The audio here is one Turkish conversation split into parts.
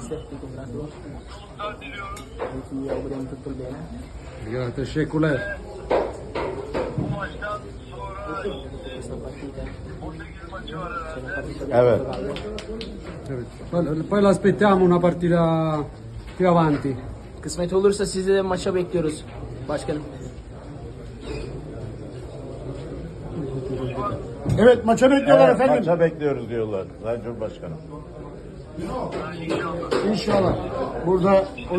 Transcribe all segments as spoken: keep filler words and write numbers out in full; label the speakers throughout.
Speaker 1: mister, ti congratulo. Ti auguriamo tutto il bene.
Speaker 2: Grazie, teşekkürler.
Speaker 1: Questa partita sono partite
Speaker 3: Evet.
Speaker 2: Evet. Poi, poi l'aspettiamo una partita più avanti.
Speaker 1: Kısmet olursa sizi de maça bekliyoruz başkanım.
Speaker 4: Evet maça bekliyorlar
Speaker 3: Evet,
Speaker 4: efendim.
Speaker 3: maça bekliyoruz diyorlar Sayın Cumhurbaşkanım.
Speaker 4: İnşallah. Burada o,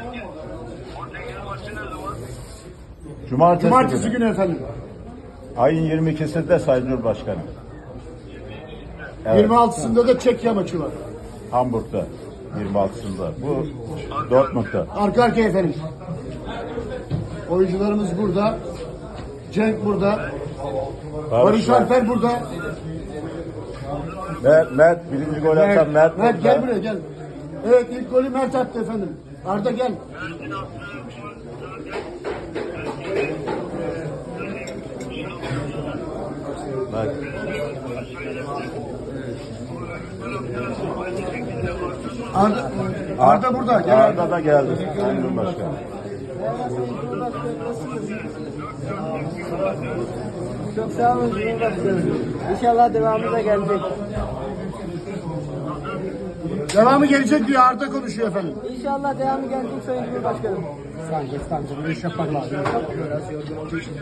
Speaker 3: Cumartesi,
Speaker 4: cumartesi
Speaker 3: günü.
Speaker 4: günü efendim.
Speaker 3: Ayın yirmi ikisinde Sayın Cumhurbaşkanım. Evet,
Speaker 4: yirmi altısında da Çekya maçı var.
Speaker 3: Hamburg'da yirmi altısında. Bu Dortmund'da.
Speaker 4: Arka arkaya efendim. Oyuncularımız burada. Cenk burada. Barış
Speaker 3: var.
Speaker 4: Alper burada.
Speaker 3: Mert, Mert birinci gol atan Mert.
Speaker 4: Mert gel
Speaker 3: burada.
Speaker 4: buraya gel. Evet ilk golü Mert attı efendim. Arda gel.
Speaker 3: Bak.
Speaker 4: Arda, Arda burada. Gel Arda.
Speaker 3: Arda da geldi Sayın Cumhurbaşkanım.
Speaker 1: Çok sağ olun Cumhurbaşkanım. İnşallah devamı da gelecek.
Speaker 4: Devamı gelecek diyor Arda konuşuyor efendim.
Speaker 1: İnşallah devamı gelecek Sayın Cumhurbaşkanım.
Speaker 2: Stanco, stanco, non riesce a parlare.
Speaker 1: Biraz yorgun olduğu için.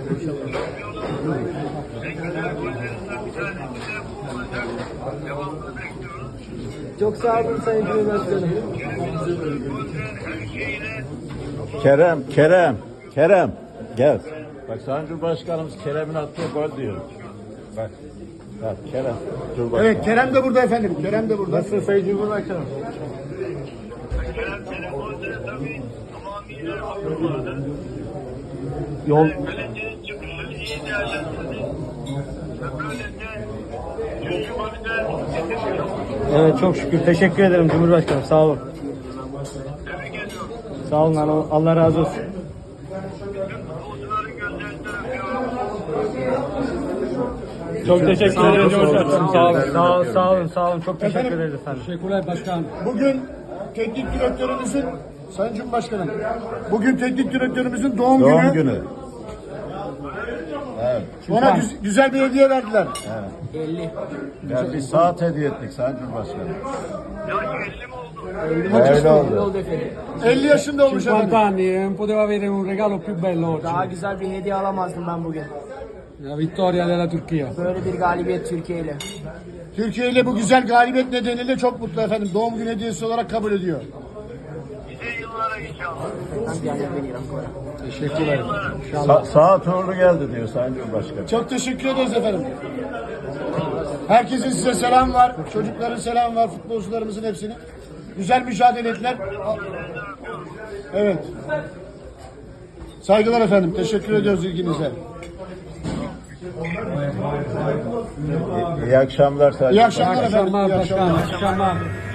Speaker 1: Çok sağ olun Sayın Cumhurbaşkanım.
Speaker 3: Kerem, Kerem, Kerem. Gel. Bak Sayın Cumhurbaşkanımız Kerem'in attığı gol diyor. Bak. Bak Kerem. Cumhurbaşkanı.
Speaker 4: Evet Kerem de burada efendim. Kerem de burada.
Speaker 3: Nasılsın Sayın Cumhurbaşkanım?
Speaker 2: Yol
Speaker 5: Kalecinin çıkışını iyi değerlendirdi. Ve böylece üçüncü golü de getirdi.
Speaker 6: Evet çok şükür. Teşekkür ederim Cumhurbaşkanım. Sağ olun.
Speaker 5: Tebrik ediyorum.
Speaker 6: Sağ olun. Allah- Allah razı olsun.
Speaker 5: Futbolcuların gözlerinden öpüyorum.
Speaker 6: Çok teşekkür ederim Cumhurbaşkanım. Sağ olun. Sağ olun. Sağ olun. Sağ olun. Çok teşekkür ederiz efendim.
Speaker 2: teşekkürler başkan.
Speaker 4: Bugün teknik direktörümüzün Sayın Cumhurbaşkanım. Bugün teknik direktörümüzün doğum,
Speaker 3: Doğum
Speaker 4: günü.
Speaker 3: günü. Evet.
Speaker 4: Ona güz- güzel bir hediye verdiler.
Speaker 1: elli.
Speaker 3: Yani bir saat hediye ettik Sayın Cumhurbaşkanım.
Speaker 5: Ya elli mi oldu?
Speaker 3: Öyle
Speaker 1: Ne
Speaker 3: oldu.
Speaker 1: oldu efendim?
Speaker 4: elli yaşında olmuş
Speaker 2: cinquanta
Speaker 4: efendim.
Speaker 2: anni, non poteva avere un regalo più bello oggi.
Speaker 1: Daha güzel bir hediye alamazdım ben bugün.
Speaker 2: La vittoria della Turchia.
Speaker 1: Böyle bir galibiyet Türkiye ile.
Speaker 4: Türkiye ile bu güzel galibiyet nedeniyle çok mutlu efendim. Doğum günü hediyesi olarak kabul ediyor.
Speaker 5: Nice yıllara inşallah.
Speaker 1: Tanti anni a venire ancora.
Speaker 2: Teşekkürler.
Speaker 3: Sa saat uğurlu geldi diyor Sayın Cumhurbaşkanım.
Speaker 4: Çok teşekkür ederiz efendim. Herkesin size selam var. Çocukların selam var. Futbolcularımızın hepsini. Güzel mücadele ettiler. Evet. Saygılar efendim. Teşekkür ediyoruz ilginize.
Speaker 3: İyi akşamlar Sayın
Speaker 4: İyi
Speaker 3: Cumhurbaşkanım.
Speaker 4: akşamlar efendim.
Speaker 2: Akşamlar
Speaker 4: İyi akşamlar.
Speaker 2: başkan, akşamlar.